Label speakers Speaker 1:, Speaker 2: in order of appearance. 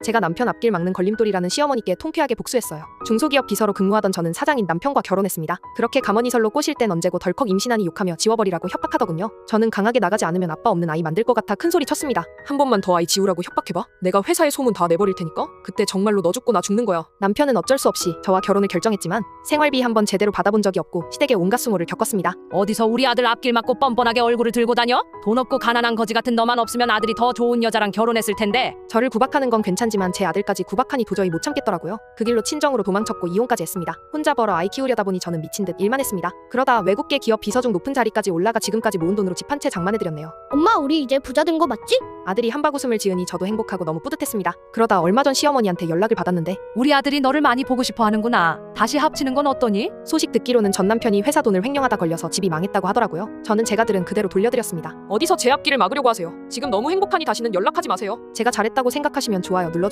Speaker 1: 제가 남편 앞길 막는 걸림돌이라는 시어머니께 통쾌하게 복수했어요. 중소기업 비서로 근무하던 저는 사장인 남편과 결혼했습니다. 그렇게 가머니설로 꼬실 땐 언제고 덜컥 임신하니 욕하며 지워버리라고 협박하더군요. 저는 강하게 나가지 않으면 아빠 없는 아이 만들 것 같아 큰소리 쳤습니다.
Speaker 2: 한 번만 더 아이 지우라고 협박해봐. 내가 회사에 소문 다 내버릴 테니까 그때 정말로 너 죽고 나 죽는 거야.
Speaker 1: 남편은 어쩔 수 없이 저와 결혼을 결정했지만 생활비 한 번 제대로 받아본 적이 없고 시댁의 온갖 수모를 겪었습니다.
Speaker 3: 어디서 우리 아들 앞길 막고 뻔뻔하게 얼굴을 들고 다녀? 돈 없고 가난한 거지 같은 너만 없으면 아들이 더 좋은 여자랑 결혼했을 텐데.
Speaker 1: 저를 구박하는 건 괜찮지만 제 아들까지 구박하니 도저히 못 참겠더라고요. 그 길로 친정으로 도망쳤고 이혼까지 했습니다. 혼자 벌어 아이 키우려다 보니 저는 미친 듯 일만 했습니다. 그러다 외국계 기업 비서 중 높은 자리까지 올라가 지금까지 모은 돈으로 집 한 채 장만해드렸네요.
Speaker 4: 엄마, 우리 이제 부자 된 거 맞지?
Speaker 1: 아들이 한바구음을 지으니 저도 행복하고 너무 뿌듯했습니다. 그러다 얼마 전 시어머니한테 연락을 받았는데
Speaker 3: 우리 아들이 너를 많이 보고 싶어 하는구나. 다시 합치는 건 어떠니?
Speaker 1: 소식 듣기로는 전 남편이 회사 돈을 횡령하다 걸려서 집이 망했다고 하더라고요. 저는 제가 들은 그대로 돌려드렸습니다.
Speaker 2: 어디서 제 앞길을 막으려고 하세요. 지금 너무 행복하니 다시는 연락하지 마세요.
Speaker 1: 제가 잘했다고 생각하시면 좋아요 눌러주세요.